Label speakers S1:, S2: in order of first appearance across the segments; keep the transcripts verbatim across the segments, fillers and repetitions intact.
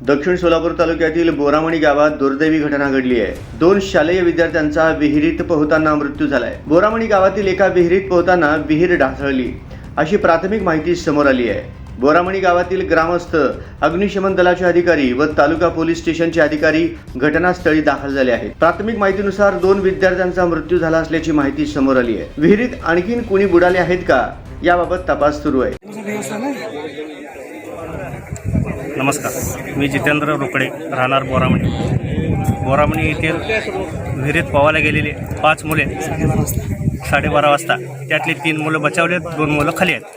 S1: दक्षिण सोलापूर तालुक्यातील बोरामणी गावात दुर्दैवी घटना घडली आहे। दोन शालेय विद्यार्थ्यांचा विहिरीत पोहताना मृत्यू झालाय। बोरामणी गावातील एका विहिरीत पोहताना विहीर ढासळली अशी प्राथमिक माहिती समोर आली आहे। बोरामणी गावातील ग्रामस्थ, अग्निशमन दलाचे अधिकारी व तालुका पोलीस स्टेशनचे अधिकारी घटनास्थळी दाखल झाले आहेत। प्राथमिक माहितीनुसार दोन विद्यार्थ्यांचा मृत्यू झाला असल्याची माहिती समोर आली आहे। विहिरीत आणखीन कोणी बुडाले आहेत का याबाबत तपास सुरू आहे।
S2: नमस्कार, मी जितेंद्र रोकडे, राहणार बोरामणी। बोरामणी येथील विहिरीत पोहायला गेलेले पाच मुले साडेबारा वाजता, त्यातली तीन मुलं बचावलेत, दोन मुलं खाली आहेत।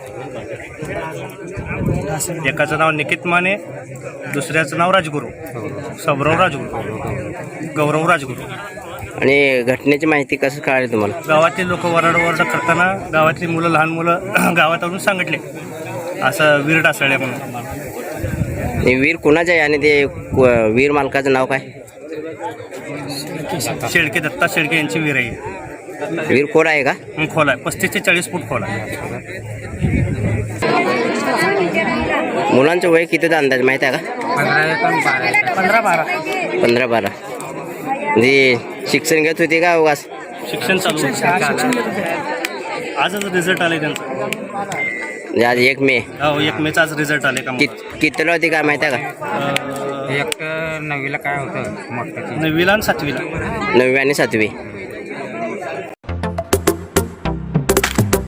S2: एकाचं नाव निकित माने, दुसऱ्याचं नाव राजगुरू, सबराव राजगुरू, गौरव राजगुरू।
S3: आणि घटनेची माहिती कसं कळाली तुम्हाला?
S2: गावातील लोक वरडवरड करताना गावातली मुलं, लहान मुलं गावात आणून सांगितले असं वीर ढासळले म्हणून।
S3: वीर कुणाचं आहे आणि ते वीर मालकाचं नाव काय?
S2: शेळके, दत्ता शेळके यांची वीर आहे।
S3: वीर खोल आहे का?
S2: खोल आहे, पस्तीस ते चाळीस फूट खोल आहे।
S3: मुलांचं वय कितीचा अंदाज माहिती आहे का?
S2: पंधरा बारा
S3: पंधरा बारा म्हणजे शिक्षण घेत होते का उगाच?
S2: शिक्षण चालू आहे। आजच रिझल्ट आले त्यांचा।
S3: म्हणजे आज एक मे
S2: हो, एक मेचा आज रिझल्ट आले का?
S3: कितीला होती काय माहिती आहे का?
S4: एक नववीला काय होतं?
S2: नववीला आणि सातवीला।
S3: नववी आणि सातवी